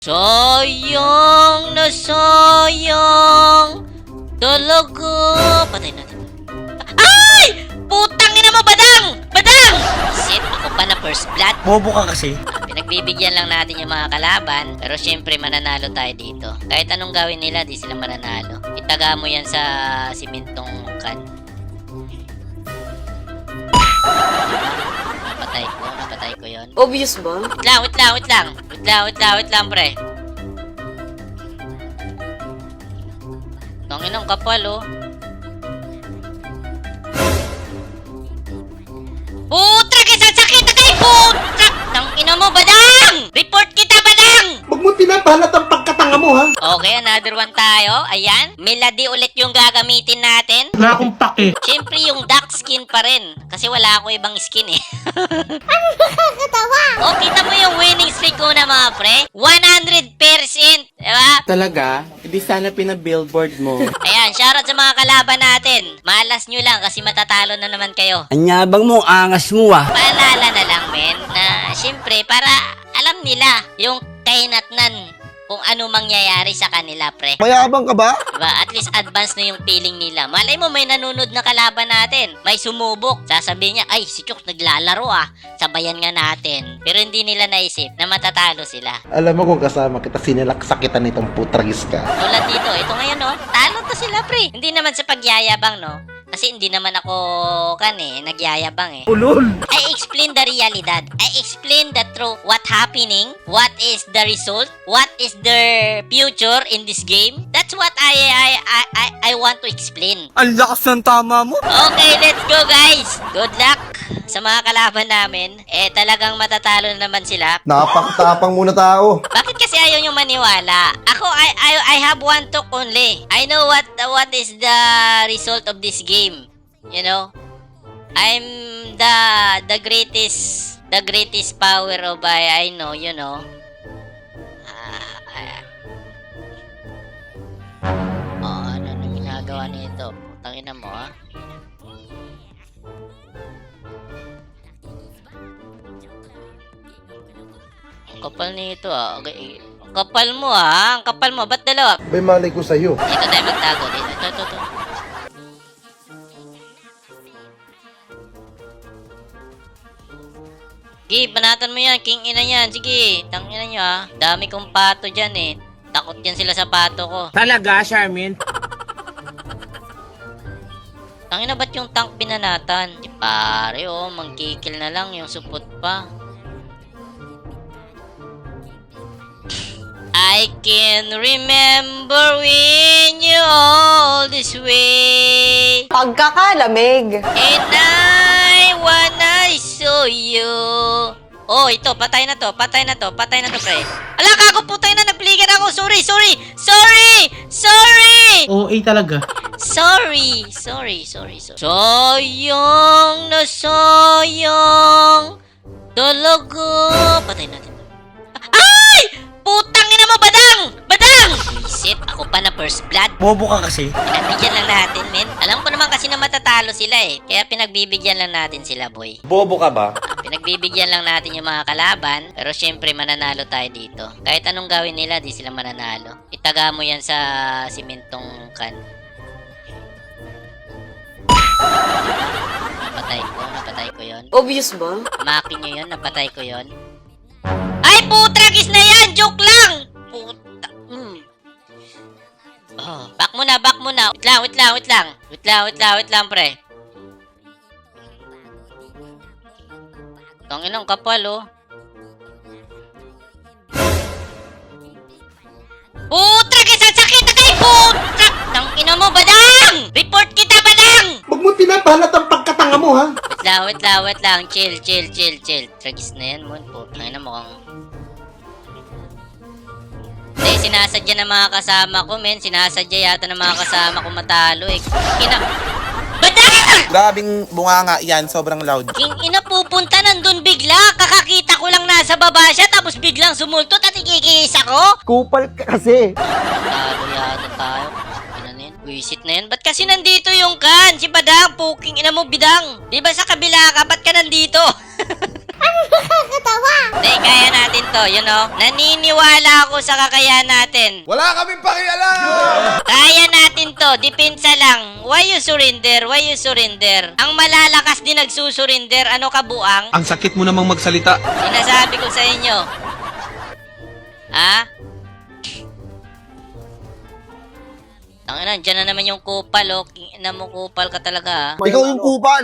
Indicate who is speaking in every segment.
Speaker 1: Sayang na sayang. Talaga. Patay natin. Ay! Putang ina mo, Badang! Badang! Shit, ako pa na first blood.
Speaker 2: Bobo ka kasi.
Speaker 1: Pinagbibigyan lang natin yung mga kalaban. Pero syempre, mananalo tayo dito. Kahit anong gawin nila, di sila mananalo. Itaga mo yan sa simentong kan. Napatay ko yun.
Speaker 3: Obvious ba?
Speaker 1: Wait lang, pre. Tangin ang kapal, oh. Putra, kaysa sakit na kayo, putra! Tangina mo, Badang! Report kita, Badang!
Speaker 2: Huwag mo pinapalat ang pagkatanga mo, ha?
Speaker 1: Okay, another one tayo. Ayan, Melody ulit yung gagamitin natin.
Speaker 2: Wala akong pake.
Speaker 1: Siyempre, yung dark skin pa rin. Kasi wala ako ibang skin, eh. O, kita mo yung winning streak ko na, mga pre? 100%! Diba?
Speaker 4: Talaga? Hindi sana pina-billboard mo.
Speaker 1: Ayan, shoutout sa mga kalaban natin. Malas nyo lang kasi matatalo na naman kayo.
Speaker 4: Anyabang mo, angas mo ah.
Speaker 1: Paalala na lang, men, na siyempre, para alam nila yung kainatnan kung ano mangyayari sa kanila, pre.
Speaker 2: Mayabang ka ba?
Speaker 1: Diba? At least advance na yung feeling nila. Malay mo, may nanunod na kalaban natin. May sumubok. Sasabihin niya, ay, si Chooks naglalaro ah. Sabayan nga natin. Pero hindi nila naisip na matatalo sila.
Speaker 2: Alam mo kung kasama kita, sinilaksakitan nitong putragis ka.
Speaker 1: Tulad dito, ito ngayon, no? Talo to sila, pre. Hindi naman sa pagyayabang, no? Kasi hindi naman ako, nagyayabang eh.
Speaker 2: Ulol!
Speaker 1: I explain the realidad. I explain the truth. What happening? What is the result? What is the future in this game? That's what I want to explain.
Speaker 4: Ang lakas ng tama mo.
Speaker 1: Okay, let's go, guys. Good luck sa mga kalaban namin. Talagang matatalo na naman sila.
Speaker 2: Napakatapang muna tao.
Speaker 1: Bakit kasi ayaw nyo maniwala? Ako, I have one talk only. I know what is the result of this game. You know? I'm the greatest power of I know, you know. Ano ginagawa nito? Putangina mo, ah. Ang kapal nito, ah. Okay. Ang kapal mo, ah. Ang kapal mo. Ba't dalawa?
Speaker 2: May malay ko sa'yo.
Speaker 1: Dito tayo magtago. Dito. Ito. Sige, banatan mo yan. King ina yan. Sige, tangina nyo, ah. Dami kong pato dyan, eh. Takot yan sila sa pato ko.
Speaker 4: Talaga, Charmin?
Speaker 1: Tangina, ba't yung tank binanatan? Di pare, oh. Mangkikil na lang. Yung supot pa. I can remember when you all this way.
Speaker 3: Pagkakalamig.
Speaker 1: And I wanna show you. Oh, ito, patay na to, pre. Ala, kago, putay na, napligan ako. Sorry.
Speaker 2: OA talaga.
Speaker 1: Sorry. Sayang na sayang. Talaga. Patay natin. Ay! Putang ina mo, Badang! Shit, ako pa na first blood.
Speaker 2: Bobo ka kasi.
Speaker 1: Pinagbigyan lang natin, men. Alam ko naman kasi na matatalo sila eh. Kaya pinagbibigyan lang natin sila, boy.
Speaker 4: Bobo ka ba?
Speaker 1: Pinagbibigyan lang natin yung mga kalaban. Pero syempre, mananalo tayo dito. Kahit anong gawin nila, di sila mananalo. Itaga mo yan sa simentong kan. Napatay ko yun.
Speaker 3: Obvious ba?
Speaker 1: Makin nyo yun, napatay ko yun. Ay, putragis na yan! Joke lang! Puta. Oh, back muna. Wait lang, pre. Tangin ang kapal, oh. Putragis! Ang sakit na kayo, putra! Tangina mo, Badang! Report kita, Badang!
Speaker 2: Huwag mo pinapalat ang pagkatanga mo, ha?
Speaker 1: Wait lang. Chill. Tragis na yan, mon. Putang ina mo kang... Hindi, sinasadya ng mga kasama ko, men. Sinasadya yata ng mga kasama ko matalo, eh. Badang!
Speaker 4: Grabing bunganga yan, sobrang loud.
Speaker 1: King ina, pupunta nandun bigla. Kakakita ko lang nasa baba siya, tapos biglang sumultot at ikikis ako.
Speaker 2: Kupal ka kasi.
Speaker 1: Talo yata tayo. Ano na yun? Wisit na yun. Ba't kasi nandito yung kan? Si Badang, puking ina mo, Bidang. Di ba sa kabila ka? Ba't ka nandito? Hindi, kaya natin to, you know? Naniniwala ako sa kakayahan natin.
Speaker 5: Wala kaming pakialam!
Speaker 1: Kaya natin to, depensa lang. Why you surrender? Why you surrender? Ang malalakas din nagsusurrender, ano ka buang?
Speaker 5: Ang sakit mo namang magsalita.
Speaker 1: Sinasabi ko sa inyo. Ha? Tangina, dyan na naman yung kupal, oh. Ina mo, kupal ka talaga, ha?
Speaker 2: Ikaw yung kupal.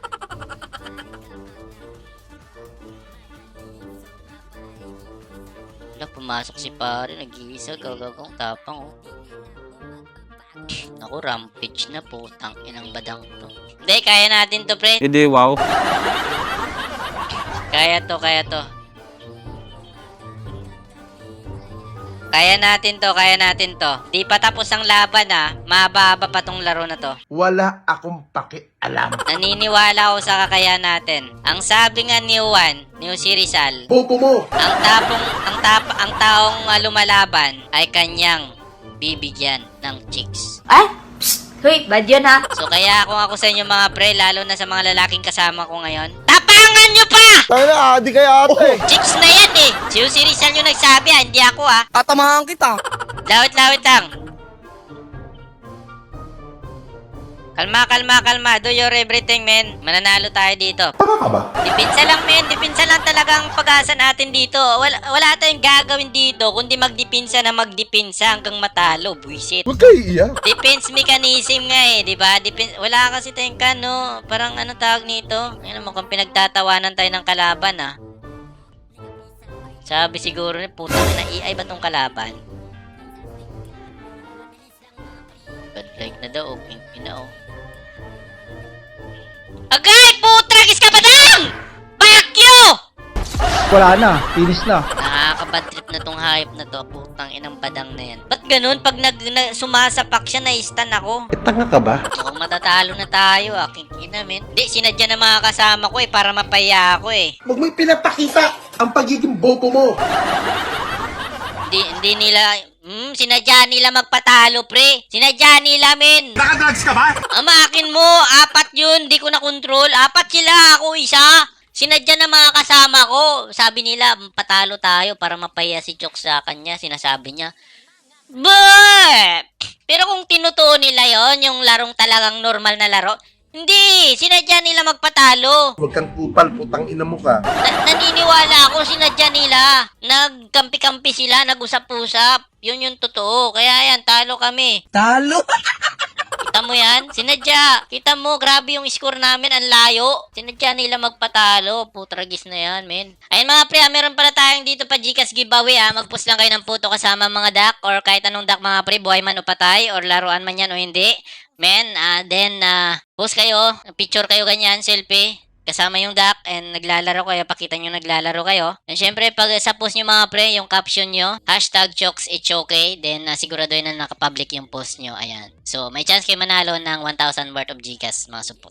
Speaker 1: Wala, pumasok si pare, nag-iisa, gagagong tapang, oh. Naku, rampage na po, inang badang to. Hindi, kaya natin to, pre.
Speaker 4: Hindi, wow.
Speaker 1: Kaya to, kaya to. Kaya natin to, kaya natin to. Di pa tapos ang laban, ha. Mahaba-haba pa tong laro na to.
Speaker 2: Wala akong pakialam.
Speaker 1: Naniniwala ako sa kakayahan natin. Ang sabi nga ni Juan, ni si Rizal,
Speaker 2: Bobo mo.
Speaker 1: ang taong lumalaban ay kanyang bibigyan ng chicks.
Speaker 3: Ay! Psst! Hoy, bad yun ha?
Speaker 1: So kaya kung ako sa inyo mga pre, lalo na sa mga lalaking kasama ko ngayon, tapangan nyo pa!
Speaker 2: Tayo na, adi kaya ate.
Speaker 1: Chicks na yan eh! Si Rizal yung nagsabi, ha, hindi ako, ha.
Speaker 4: Tatamahan kita.
Speaker 1: Lawit lang. Kalma. Do your everything, men. Mananalo tayo dito.
Speaker 2: Tama ka ba?
Speaker 1: Dipinsa lang, men. Dipinsa lang talaga ang pag-asa natin dito. Wala tayong gagawin dito, kundi magdipinsa hanggang matalo. Buisit.
Speaker 2: Huwag kayo iiyak.
Speaker 1: Defense mechanism nga eh, di ba? Wala kasi tayong kano. Parang ano tawag nito? Ayun, mukhang pinagtatawanan tayo ng kalaban, ah. Sabi siguro ni putang na AI ba tong kalaban? Bad like na daw, pink na oh. Agay! Putragis ka ba dang? Bakyo!
Speaker 6: Wala na, finish na.
Speaker 1: Nakakabad trip na tong hype na to. Putang inang badang na yan. Ba't ganun? Pag sumasapak siya, na-stun ako.
Speaker 2: Tanga ka ba?
Speaker 1: Mukhang matatalo na tayo, aking ina, men. Hindi, sinadya na mga kasama ko eh, para mapaya ako eh.
Speaker 2: Huwag mo pinapakita ang pagiging bobo mo.
Speaker 1: Hindi nila, sinadya nila magpatalo, pre. Sinadya nila, men.
Speaker 5: Nakadrugs ka ba?
Speaker 1: Amakin mo, 4 yun, di ko na control. 4 sila, ako isa. Sinadya na mga kasama ko. Sabi nila, patalo tayo para mapaya si Chok sa kanya. Sinasabi niya, but, pero kung tinutuo nila yon yung larong talagang normal na laro, hindi, sinadya nila magpatalo.
Speaker 2: Huwag kang kupal, putang ina mo ka.
Speaker 1: Naniniwala ako, sinadya nila. Nagkampi-kampi sila, nag-usap-usap. Yun yung totoo. Kaya yan, talo kami.
Speaker 4: Talo?
Speaker 1: Kita mo yan? Sinadya. Kita mo, grabe yung score namin, ang layo. Sinadya nila magpatalo. Putragis na yan, men. Ayun mga pre, meron pala tayong dito pa Gcash giveaway, ha. Mag-post lang kayo ng photo kasama mga duck or kahit anong duck mga pre, buhay man o patay or laruan man yan o hindi. Men, then, post kayo, picture kayo ganyan, selfie. Kasama yung duck and naglalaro kayo, pakita nyo naglalaro kayo. And syempre, pag sa post nyo mga pre, yung caption nyo, #ChoksIt'sOkay, then siguraduhin na nakapublic yung post nyo, ayan. So, may chance kayo manalo ng 1,000 worth of Gcash, mga support.